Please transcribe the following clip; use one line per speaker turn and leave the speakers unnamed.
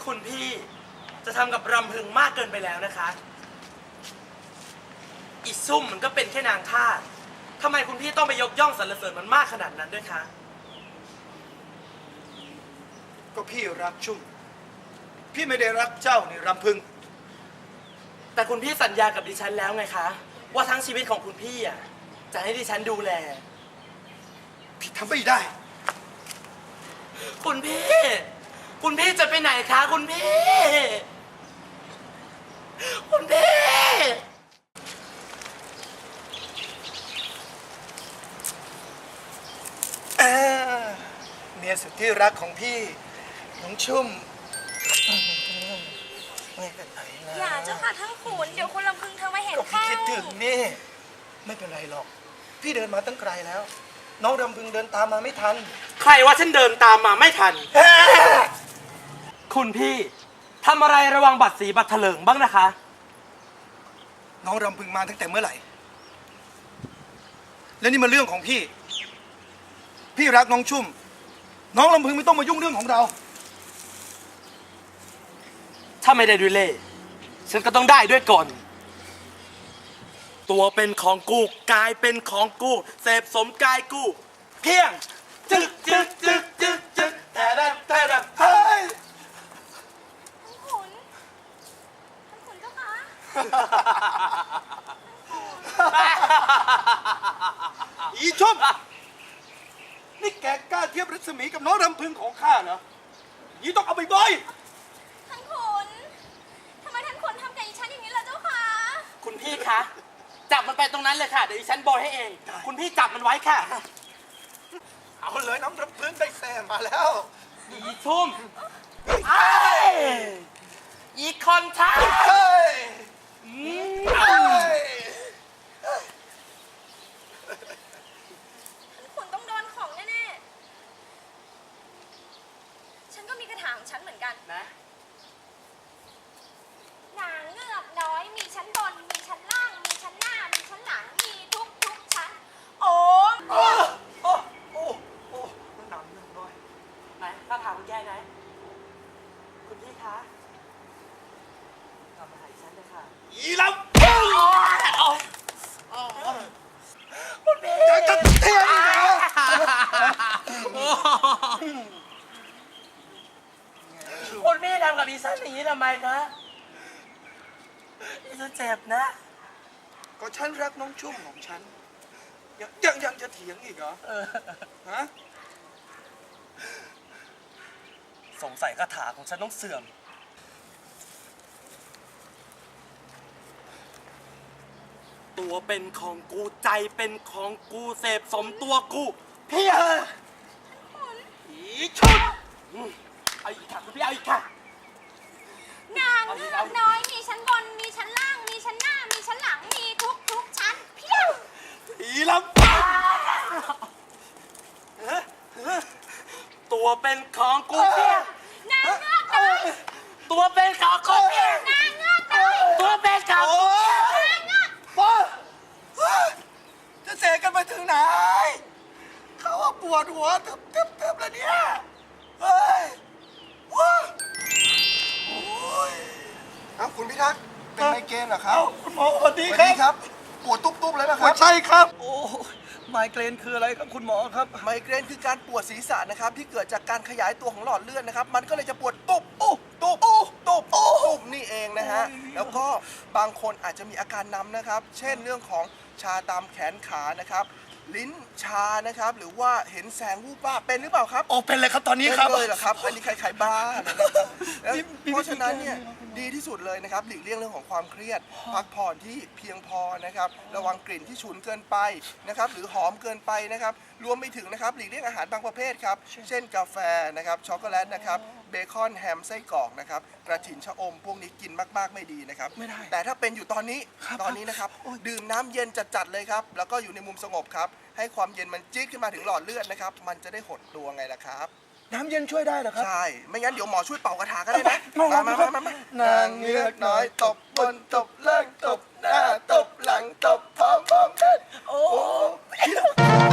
คุณพี่จะทำกับรำพึงมากเกินไปแล้วนะคะอีซุ่มมันก็เป็นแค่นางทาสทำไมคุณพี่ต้องไปยกย่องสรรเสริญมันมากขนาดนั้นด้วยคะ
ก็พี่รักชุ่มพี่ไม่ได้รักเจ้านี่รำพึง
แต่คุณพี่สัญญากับดิฉันแล้วไงคะว่าทั้งชีวิตของคุณพี่อ่ะจะให้ดิฉันดูแล
พี่ทำไม่ได้
คุณพี่จะไปไหนคะคุณพี่
เมียสุดที่รักของพี่น้องชุ่มไม่เป็นไรนะ
อย่าเจ้าค่ะท่านขุนเดี๋ยวคุณลำพึงเธอมาเห็น
ก็พี่
เข้า
คิดถึงนี่ไม่เป็นไรหรอกพี่เดินมาตั้งไกลแล้ว น้องรำพึงเดินตามมาไม่ทัน
ใครว่าฉันเดินตามมาไม่ทันคุณพี่ทำอะไรระวังบัตรสีบัตรเถลิงบ้างนะคะ
น้องรำพึงมาตั้งแต่เมื่อไหร่และนี่มันเรื่องของพี่รักน้องชุ่มน้องรำพึงไม่ต้องมายุ่งเรื่องของเรา
ถ้าไม่ได้ด้วยเล่ห์ฉันก็ต้องได้ด้วยกลตัวเป็นของกูกายเป็นของกูเสพสมกายกูเพียงจึกแต่เฮ้ย
ท่านขุนเจ้าค่ะ
อีชุ่มนี่แกกล้าเทียบรัศมีกับน้องรำพึงของข้าเหรอยี่ต้องเอาไปบ่อย
ท่านขุนทำไมท่านขุนทำกับอีฉันอย่างนี้ล่ะเจ้าค่ะ
คุณพี่คะจับมันไปตรงนั้นเลยค่ะเดี๋ยวดิฉันโบยให้เองคุณพี่จับมันไว้ค่ะ
เอาเลยน้องรำพึงได้แซมมาแล้ว
อีชุ่มอีคอนท้า
ท่านขุนต้องโดนของแน่ๆฉันก็มีกระถางฉันเหมือนกัน
นะ
นางเงือกน้อยมีชั้นบนมีชั้นล่างมีชั้นหน้ามีชั้นหลังมีทุกชั้นโอ้
มันหนำหนึ่งด้วย
ไหนข้าถามคุณแกไหนคุณพี่คะทำอะไรฉันเลยค่ะ
อีลำ
คุณพี่
จะเทียนเหรอ
คุณพี่ทำกับดิฉันอย่างนี้ทำไมคะดิฉันเจ็บนะ
ก็ฉันรักน้องชุ่มของฉันยังจะเถียงอีกเหรอฮะ
สงสัยคาถาของฉันต้องเสื่อมตัวเป็นของกูใจเป็นของกูเสพสมตัวกูพี่อีชุดเอาอีกค่ะคุณพี่เอาอีกค่ะ
นางเงือกน้อยมีชั้นบนมีชั้นล่างมีชั้นหน้ามีชั้นหลังมีทุกชั้นเพียง
อีลำตัวเป็นของกูเพียง
นางเงือกน้อย
ตัวเป็นของกูเพียง
นางเงือกน้อย
ตัวเป็นของกู
นางเงือก
พ่อจะเสกกันไปถึงไหนเขาว่าปวดหัวตึบแล้วเนี่ยเฮ้ยคุณพิทักษ์เป็นไมเกรนเหรอครับ
คุณหมอสวัสดี
ครับปวดตุ๊บเลยนะครับ
ใช่ครับโอ้ไมเกรนคืออะไรครับคุณหมอครับ
ไมเกรนคือการปวดศีรษะนะครับที่เกิดจากการขยายตัวของหลอดเลือดนะครับมันก็เลยจะปวดตุ๊บนี่เองนะฮะแล้วก็บางคนอาจจะมีอาการน้ำนะครับเช่นเรื่องของชาตามแขนขานะครับลิ้นชานะครับหรือว่าเห็นแสงวูบวาบเป็นหรือเปล่าครับ
เป็นเลยครับตอนนี้ครับ
เลยเหรอครับอันนี้ใครบ้านะครับเพราะฉะนั้นเนี่ยดีที่สุดเลยนะครับหลีกเลี่ยงเรื่องของความเครียดพักผ่อนที่เพียงพอนะครับระวังกลิ่นที่ฉุนเกินไปนะครับหรือหอมเกินไปนะครับรวมไปถึงนะครับหลีกเลี่ยงอาหารบางประเภทครับเช่นกาแฟนะครับช็อกโกแลตนะครับเบคอนแฮมไส้กรอกนะครับกระถิ่นชะอมพวกนี้กินมากๆไม่ดีนะครับ
ไม่ได้
แต่ถ้าเป็นอยู่ตอนนี้นะครับดื่มน้ำเย็นจัดๆเลยครับแล้วก็อยู่ในมุมสงบครับให้ความเย็นมันจี๊ดขึ้นมาถึงหลอดเลือดนะครับมันจะได้หดตัวไงล่ะครับ
น้ำเย็นช่วยได้เหรอครับ
ใช่ไม่งั้นเดี๋ยวหมอช่วยเป่ากระถาก็ได้นะมานางเงือกน้อยตบบนตบล่างตบหน้าตบหลังตบพร้อมเด็ดโอ้